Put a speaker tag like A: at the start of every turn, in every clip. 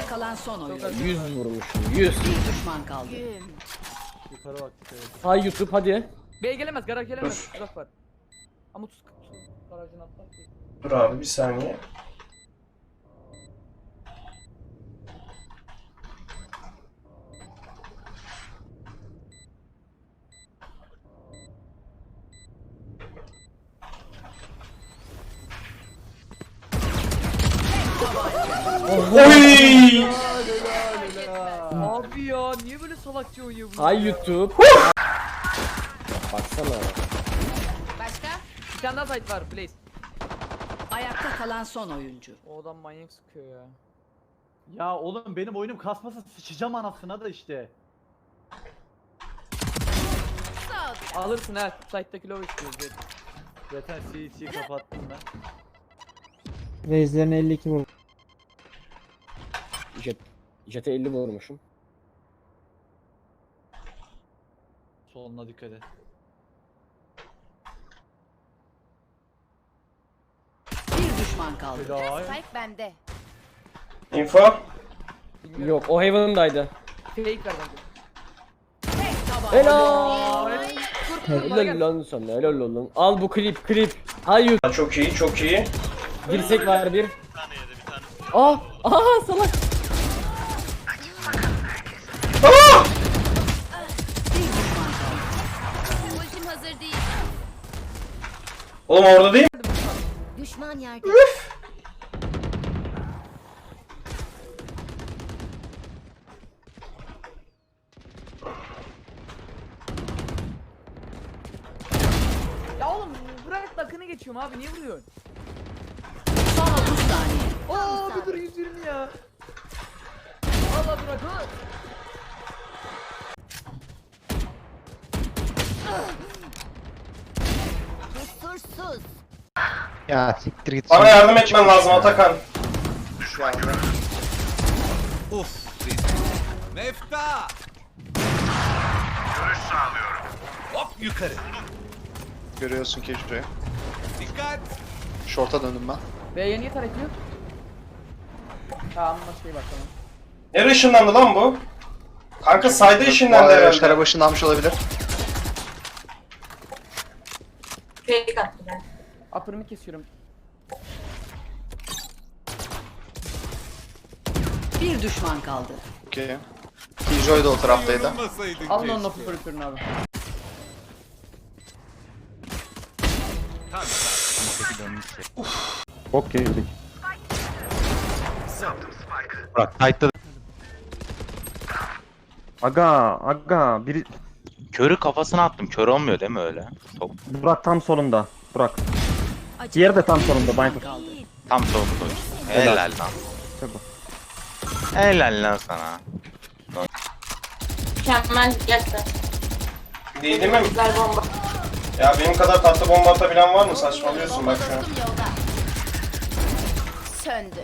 A: kalan son oyun.
B: 100 vurmuşum. 100.
A: Bir düşman kaldı.
C: Yukarı bak.
B: Hay YouTube hadi.
D: Bey gelemez, garaj gelemez. Uzak var. Ama tuz garajın atlar ki.
E: Dur abi bir saniye. Oy!
D: Abi ya niye böyle salakça oynuyor bu?
B: Hay YouTube. Baksana.
A: Başka?
D: Bir tane daha site var Blaze.
A: Ayakta kalan son oyuncu.
D: O adam manyak sıkıyor ya.
C: Ya oğlum benim oyunum kasmasa sıçacağım anasına da işte.
D: Alırsın ha. Site'daki low istiyoruz. Evet.
C: Zaten CH'yi kapattım ben.
F: Reislerine 52 vur.
B: Jet'e 50 vurmuşum.
C: Soluna dikkat et.
A: Bir düşman kaldı.
C: Helal.
G: Spike bende.
E: Info.
D: Bilmiyorum.
B: Yok o Heaven'daydı.
D: Fake ver bence.
A: Tek taban.
B: Helal.
D: Kur
B: Helal lan sana helal oğlum. Al bu klip. Hay YouTube.
E: Çok iyi çok iyi.
B: Dirsek var bir. Aa salak.
A: Bir düşman kaldı.
G: Ultim hazır değil.
E: Oğlum orada değil mi?
G: Düşman yerde.
D: Ya oğlum bırak dakını geçiyorum abi niye vuruyorsun?
A: Son 30 saniye.
D: Aa bir dur 120 ya. Allah bırak ha.
G: Kusursuz.
F: Ya siktir git.
E: Bana yardım etmen lazım Atakan.
H: Mefta! Görüş sağlıyorum. Hop yukarı.
I: Görüyorsun ki şuraya.
H: Dikkat!
I: Short'a döndüm ben.
D: B'ye niye taret yok? Tamam şey bak tamam.
E: Nereye ışınlandı lan bu? Kanka sayda ışınlandı herhalde.
I: Şara başını almış olabilir.
D: Upper'ımı kesiyorum.
A: Bir düşman kaldı.
I: Okey. Killjoy da o taraftaydı.
H: Yorulmasaydın
D: Alın onun
H: keşke.
D: operatörünü abi.
F: Bok yedik.
J: Bırak kayıtta
F: Aga biri
J: körü kafasına attım. Kör olmuyor değil mi öyle? Top
F: Burak tam solunda. Burak. Diğeri de tam solunda. Viper.
A: Kaldı.
J: tam solunda oynuyor. Helal lan.
F: Tabii.
J: Helal lan sana.
G: Mükemmel gerçekten.
E: Değil mi?
G: Güzel bomba.
E: Ya benim kadar tatlı bomba atabilen var mı? Saçmalıyorsun bak şu an.
G: Yolda. Söndü.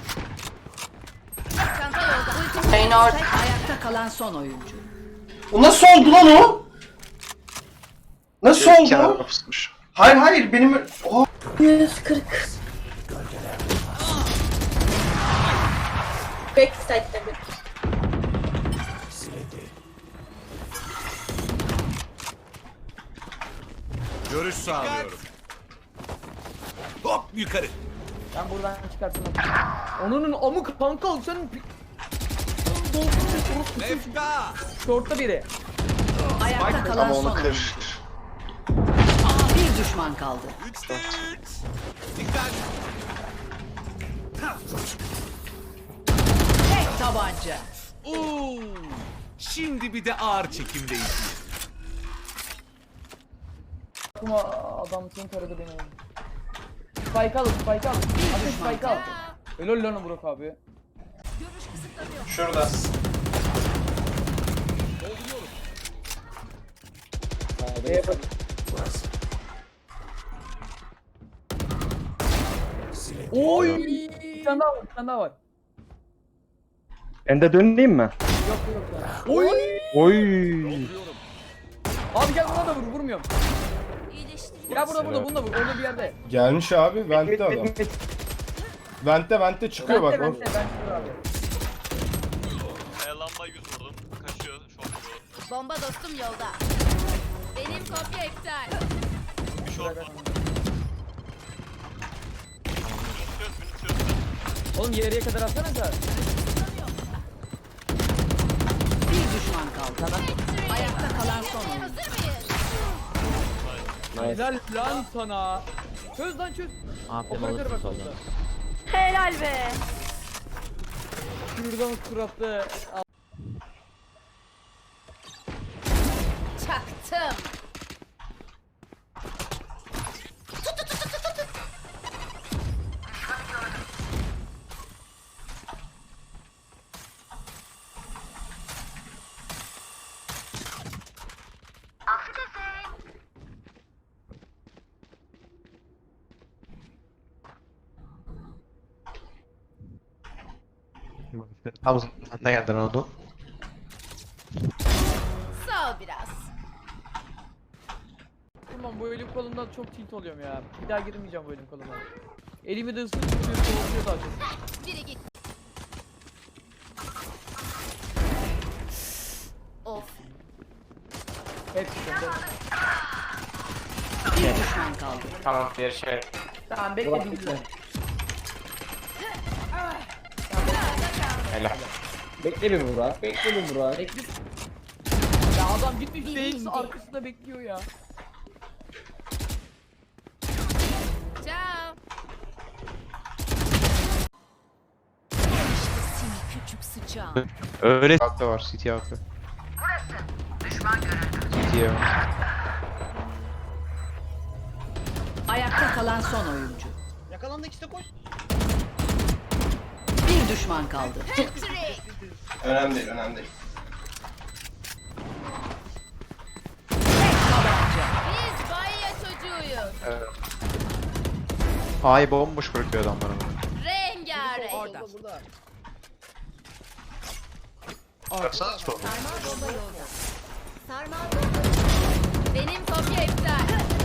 G: Çanta yolda. Ultim
A: Tek ayakta kalan son oyuncu.
E: O nasıl oldu lan o? Nasıl oldu
I: Kenara
E: o?
I: pusmuş.
E: Hayır benim... Oh.
G: 140. Backside'de bir.
H: Görüş sağlıyorum. Hop yukarı.
D: Ben buradan çıkartırım. Onun amık kanka sen
H: Mefta!
D: short'ta biri.
A: Ayakta kalan
I: Ama
A: son
I: onu
A: oyuncu.
I: kır.
A: Bir düşman kaldı.
H: 3'te 3. Dikkat!
A: Tek tabanca.
H: Oo! Şimdi bir de ağır çekimdeyiz.
D: Kuma adam seni taradı beni. Spike al. Hadi spike al. Helal lan Burak abi.
E: Şurada.
D: B'ye bak. Oy! Bir tane daha var.
F: Ben de döneyim mi?
D: Yok ya. Oy!
F: Oy.
D: Abi gel buna da vur, vurmuyorum. Ya burada, bunda vur, orada bir yerde.
K: Gelmiş abi, vent'te adam. Vent'te çıkıyor bak.
D: Ben abi.
K: Lamba 100 vurdum. Kaçıyor. Short vurdum.
G: Bomba dostum yolda. Benim kopya iptal.
K: Bir short var. Minütüyoruz.
B: Oğlum yarıya kadar atsanıza.
A: Bir düşman kaldı. Ayakta kalan son oyuncu.
G: Hazır mıyız?
D: Helal lan sana. Çöz lan çöz.
B: Aferin
D: Operatör
B: alırsın
D: bak
B: soldan.
D: orada.
G: Helal be.
D: Şuradan suratlı.
G: Çaktım.
J: Ne geldin oldu?
G: Sağ ol biraz.
D: Tamam bu elim kolumdan çok tilt oluyorum ya. Bir daha girmeyeceğim bu elim koluma. Elimi de ıslık tutuyor, soğutuyor daha çok.
G: Biri git. Of.
D: Hepsi sende.
A: Bir düşman kaldı.
F: Tamam bir şey.
D: Tamam bekle dinle.
F: Helal.
B: Bekle bir Burak. Bekle bir Burak.
D: Bekle. Ya adam gitmiş DX arkasında bekliyor ya.
G: Ciao.
A: Küçük sıçağın.
J: Öyle
I: Altta var. CT altta. CT'ye var.
A: Ayakta kalan son oyuncu.
C: Yakalandı işte koş.
A: Bir düşman kaldı.
G: Patrick.
E: Önemli değil, önemli değil.
G: Biz Bayya çocuğuyuz.
I: A'yı bomboş bırakıyor adamlar ama.
G: Rengarenk.
A: Orada.
I: Baksana sol.
G: Sarmal bomba yolda. Sarmal bomba. Benim kopya iptal.